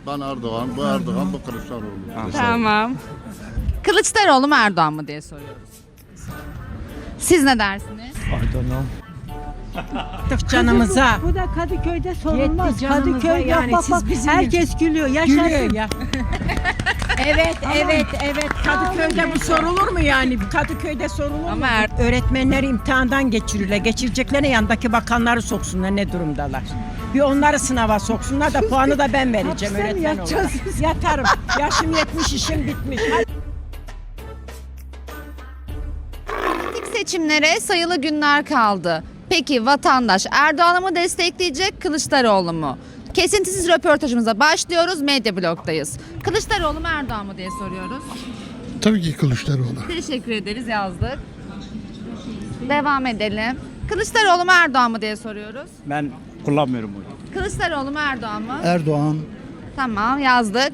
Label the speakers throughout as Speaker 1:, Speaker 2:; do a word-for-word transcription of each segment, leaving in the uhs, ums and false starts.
Speaker 1: Ben Erdoğan, bu Erdoğan, bu Kılıçdaroğlu.
Speaker 2: Tamam. Kılıçdaroğlu mu Erdoğan mı diye soruyoruz. Siz ne dersiniz?
Speaker 3: Tık canımıza.
Speaker 4: Bu da Kadıköy'de sorulmaz.
Speaker 3: Yetti canımıza
Speaker 4: Kadıköy
Speaker 3: yani,
Speaker 4: bak bak
Speaker 3: siz
Speaker 4: bak.
Speaker 3: bizim-
Speaker 4: Herkes gülüyor. Yaşasın.
Speaker 3: Gülüyor ya. Evet, evet, evet. Kadıköy'de bu sorulur mu yani? Kadıköy'de sorulur mu?
Speaker 2: Ama er-
Speaker 3: Öğretmenleri imtihandan geçiriyorlar. Geçireceklerine yanındaki bakanları soksunlar ne durumdalar. Bir onları sınava soksunlar da puanı da ben vereceğim
Speaker 4: Hapiste mi
Speaker 3: öğretmen olarak.
Speaker 4: yatacağız?
Speaker 3: Yatarım. Yaşım yetmiş, işim bitmiş.
Speaker 2: İlk seçimlere sayılı günler kaldı. Peki vatandaş Erdoğan'ı mı destekleyecek, Kılıçdaroğlu mu? Kesintisiz röportajımıza başlıyoruz. Medya Blok'tayız. Kılıçdaroğlu mu Erdoğan mı diye soruyoruz.
Speaker 5: Tabii ki Kılıçdaroğlu.
Speaker 2: Teşekkür ederiz, yazdık. Devam edelim. Kılıçdaroğlu mu Erdoğan mı diye soruyoruz.
Speaker 6: Ben kullanmıyorum oyu.
Speaker 2: Kılıçdaroğlu mu Erdoğan mı?
Speaker 5: Erdoğan.
Speaker 2: Tamam, yazdık.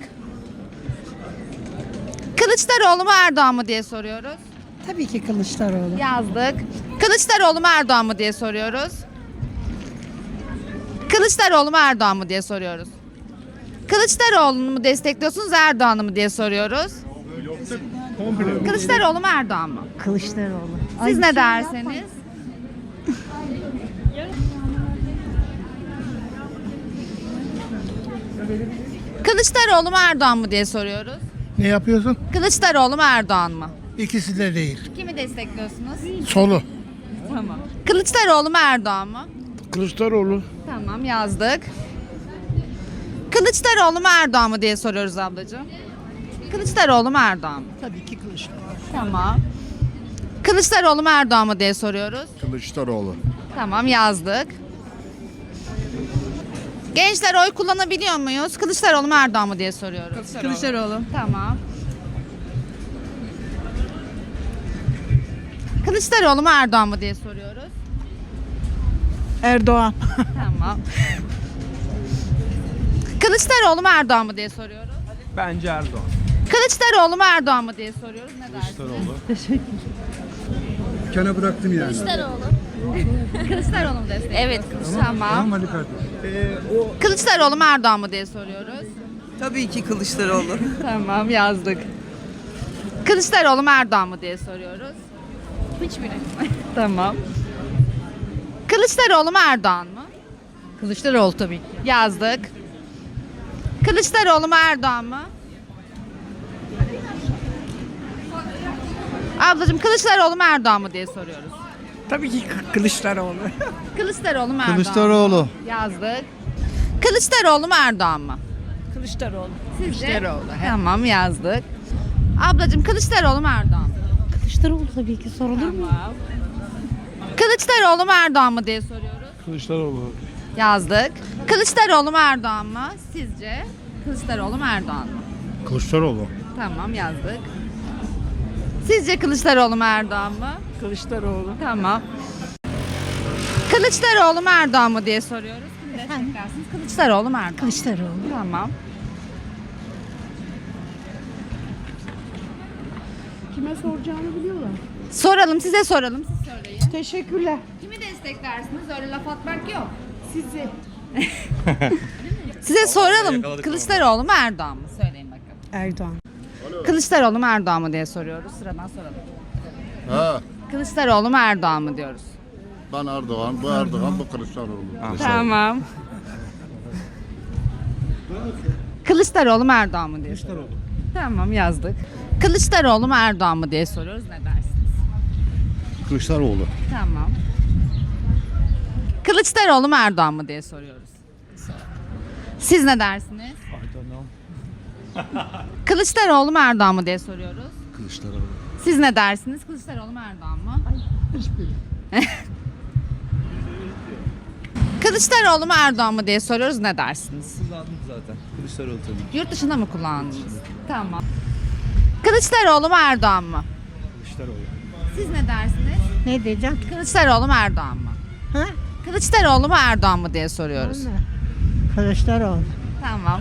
Speaker 2: Kılıçdaroğlu mu Erdoğan mı diye soruyoruz.
Speaker 4: Tabii ki Kılıçdaroğlu.
Speaker 2: Yazdık. Kılıçdaroğlu mu Erdoğan mı diye soruyoruz. Kılıçdaroğlu mu Erdoğan mı diye soruyoruz. Kılıçdaroğlu'nu mu destekliyorsunuz, Erdoğan'ı mı diye soruyoruz. Kılıçdaroğlu mu Erdoğan mı?
Speaker 4: Kılıçdaroğlu.
Speaker 2: Siz ne dersiniz? Kılıçdaroğlu mu Erdoğan mı diye soruyoruz.
Speaker 5: Ne yapıyorsun?
Speaker 2: Kılıçdaroğlu mu Erdoğan mı?
Speaker 5: İkisi de değil.
Speaker 2: Kimi destekliyorsunuz?
Speaker 5: Solu.
Speaker 2: Tamam. Kılıçdaroğlu mu Erdoğan mı?
Speaker 5: Kılıçdaroğlu.
Speaker 2: Tamam, yazdık. Kılıçdaroğlu mu Erdoğan mı diye soruyoruz ablacığım. Kılıçdaroğlu mu Erdoğan mı?
Speaker 5: Tabii ki Kılıçdaroğlu.
Speaker 2: Tamam. Kılıçdaroğlu mu Erdoğan mı diye soruyoruz.
Speaker 1: Kılıçdaroğlu.
Speaker 2: Tamam, yazdık. Gençler oy kullanabiliyor muyuz? Kılıçdaroğlu mu Erdoğan mı diye soruyoruz.
Speaker 4: Kılıçdaroğlu.
Speaker 2: Tamam. Kılıçdaroğlu mu Erdoğan mı diye soruyoruz.
Speaker 4: Erdoğan.
Speaker 2: Tamam. Kılıçdaroğlu mu Erdoğan mı diye soruyoruz.
Speaker 6: Bence Erdoğan.
Speaker 2: Kılıçdaroğlu mu Erdoğan mı diye soruyoruz. Ne dersiniz?
Speaker 5: Kana bıraktım yani.
Speaker 2: Kılıçdaroğlu mu destek? Evet, Tamam.
Speaker 5: hadi kardeşim.
Speaker 2: Kılıçdaroğlu mu Erdoğan mı diye soruyoruz.
Speaker 7: Tabii ki Kılıçdaroğlu.
Speaker 2: Tamam, yazdık. Kılıçdaroğlu mu Erdoğan mı diye soruyoruz. Hiçbiri. Tamam. Kılıçdaroğlu mu Erdoğan mı?
Speaker 4: Kılıçdaroğlu tabii ki.
Speaker 2: Yazdık. Kılıçdaroğlu mu Erdoğan mı? Ablacığım Kılıçdaroğlu mu Erdoğan mı diye soruyoruz.
Speaker 3: Tabii ki Kılıçdaroğlu.
Speaker 2: Kılıçdaroğlu mu Erdoğan mı?
Speaker 5: Kılıçdaroğlu.
Speaker 2: Yazdık. Kılıçdaroğlu mu Erdoğan mı?
Speaker 3: Kılıçdaroğlu.
Speaker 2: Sizce? Tamam, yazdık. Ablacığım Kılıçdaroğlu mu Erdoğan mı?
Speaker 4: Kılıçdaroğlu tabii ki sorulur mu?
Speaker 2: Tamam. Kılıçdaroğlu mu Erdoğan mı diye soruyoruz.
Speaker 5: Kılıçdaroğlu.
Speaker 2: Yazdık. Kılıçdaroğlu mu Erdoğan mı? Sizce? Kılıçdaroğlu mu Erdoğan mı?
Speaker 5: Kılıçdaroğlu.
Speaker 2: Tamam, yazdık. Sizce Kılıçdaroğlu mu Erdoğan mı?
Speaker 3: Kılıçdaroğlu.
Speaker 2: Tamam. Kılıçdaroğlu mu Erdoğan mı diye soruyoruz. Kim desteklersiniz? Kılıçdaroğlu mu Erdoğan mı?
Speaker 4: Kılıçdaroğlu.
Speaker 2: Tamam.
Speaker 4: Kime soracağını biliyorlar.
Speaker 2: Soralım, size soralım. Siz söyleyin.
Speaker 4: Teşekkürler.
Speaker 2: Kimi desteklersiniz? Öyle laf atmak yok.
Speaker 4: Sizi.
Speaker 2: Size soralım. Kılıçdaroğlu mu Erdoğan mı? Söyleyin bakalım.
Speaker 4: Erdoğan.
Speaker 2: Kılıçdaroğlu mu Erdoğan mı diye soruyoruz. Sıradan soralım.
Speaker 1: Ha,
Speaker 2: Kılıçdaroğlu mu Erdoğan mı diyoruz.
Speaker 1: ben Erdoğan, bu Erdoğan, bu Kılıçdaroğlu.
Speaker 2: Tamam. Kılıçdaroğlu mu Erdoğan mı diye soruyoruz. Tamam, yazdık. Kılıçdaroğlu mu Erdoğan mı diye soruyoruz. Ne dersiniz?
Speaker 1: Kılıçdaroğlu.
Speaker 2: Tamam. Kılıçdaroğlu mu Erdoğan mı diye soruyoruz. Siz ne dersiniz? Kılıçdaroğlu mu Erdoğan mı diye soruyoruz.
Speaker 1: Kılıçdaroğlu.
Speaker 2: Siz ne dersiniz? Kılıçdaroğlu mu Erdoğan mı? Kılıçdaroğlu mu Erdoğan mı diye soruyoruz. Ne dersiniz?
Speaker 6: Kullandım zaten. Kılıçdaroğlu tabii.
Speaker 2: Yurt dışında mı kullandınız? Tamam. Kılıçdaroğlu mu Erdoğan mı?
Speaker 6: Kılıçdaroğlu.
Speaker 2: Siz ne dersiniz?
Speaker 4: Ne diyeceğim?
Speaker 2: Kılıçdaroğlu mu Erdoğan mı?
Speaker 4: Ha?
Speaker 2: Kılıçdaroğlu mu Erdoğan mı diye soruyoruz.
Speaker 4: Kılıçdaroğlu.
Speaker 2: Tamam.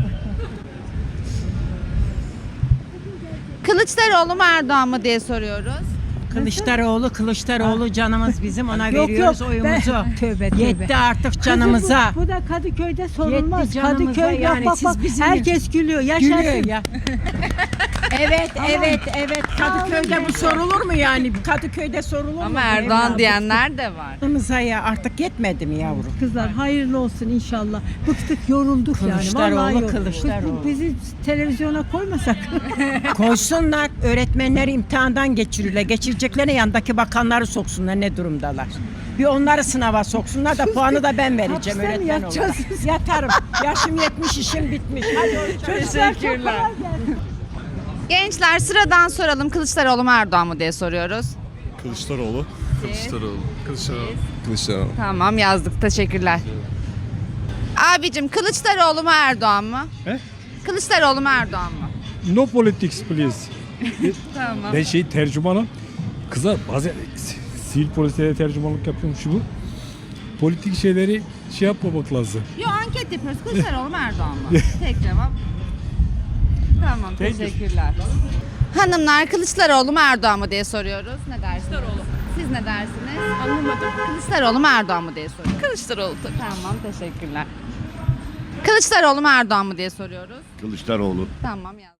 Speaker 2: Kılıçdaroğlu mu Erdoğan mı diye soruyoruz.
Speaker 3: Kılıçdaroğlu, Kılıçdaroğlu canımız bizim ona
Speaker 4: Yok,
Speaker 3: veriyoruz
Speaker 4: yok,
Speaker 3: oyumuzu.
Speaker 4: ben- Tövbe, tövbe.
Speaker 3: Yetti artık canımıza.
Speaker 4: Bu, bu da Kadıköy'de sorulmaz.
Speaker 3: Yetti canımıza
Speaker 4: Kadıköy
Speaker 3: yani,
Speaker 4: bak bak
Speaker 3: siz
Speaker 4: bak.
Speaker 3: bizim-
Speaker 4: Herkes gülüyor. Yaşasın.
Speaker 3: Gülüyor ya. Evet, evet, evet. Kadıköy'de bu sorulur mu yani? Kadıköy'de sorulur mu?
Speaker 2: Ama
Speaker 3: bu
Speaker 2: Erdoğan
Speaker 3: evladım?
Speaker 2: diyenler de var.
Speaker 3: Canımıza ya artık yetmedi mi yavrum?
Speaker 4: Kızlar hayırlı olsun inşallah. Bıktık yorulduk yani.
Speaker 3: Kılıçdaroğlu,
Speaker 4: Vallahi yorulduk.
Speaker 3: Kılıçdaroğlu.
Speaker 4: Bizi televizyona koymasak.
Speaker 3: Koysunlar, öğretmenleri imtihandan geçirirler. Geçireceklerine yandaki bakanları soksunlar ne durumdalar. Bir onları sınava soksunlar da puanı da ben vereceğim
Speaker 4: Hapiste mi
Speaker 3: öğretmen
Speaker 4: yatacağız?
Speaker 3: olarak. Yatarım. Yaşım yetmiş, işim bitmiş. Hadi
Speaker 2: Teşekkürler. Gençler sıradan soralım. Kılıçdaroğlu mu Erdoğan mı diye soruyoruz.
Speaker 5: Kılıçdaroğlu. Kılıçdaroğlu. Kılıçdaroğlu.
Speaker 6: Kılıçdaroğlu.
Speaker 2: Tamam yazdık. Teşekkürler. Abicim Kılıçdaroğlu mu Erdoğan mı?
Speaker 5: He?
Speaker 2: Kılıçdaroğlu mu Erdoğan mı?
Speaker 5: No politics please.
Speaker 2: Tamam.
Speaker 5: Ben şey tercümanım. Kıza bazen sivil polislere tercümanlık yapıyorum şu bu. Politik şeyleri şey yapmamak lazım.
Speaker 2: Yo anket yapıyoruz. Kılıçdaroğlu mu Erdoğan mı? Tek cevap. Tamam teşekkürler. Hanımlar Kılıçdaroğlu mu Erdoğan mı diye soruyoruz. Ne dersiniz? Kılıçdaroğlu. Siz ne dersiniz? Anlamadım. Kılıçdaroğlu mu Erdoğan mı diye soruyoruz. Kılıçdaroğlu tabii. Tamam teşekkürler. Kılıçdaroğlu mu Erdoğan mı diye soruyoruz.
Speaker 1: Kılıçdaroğlu.
Speaker 2: Tamam yaz.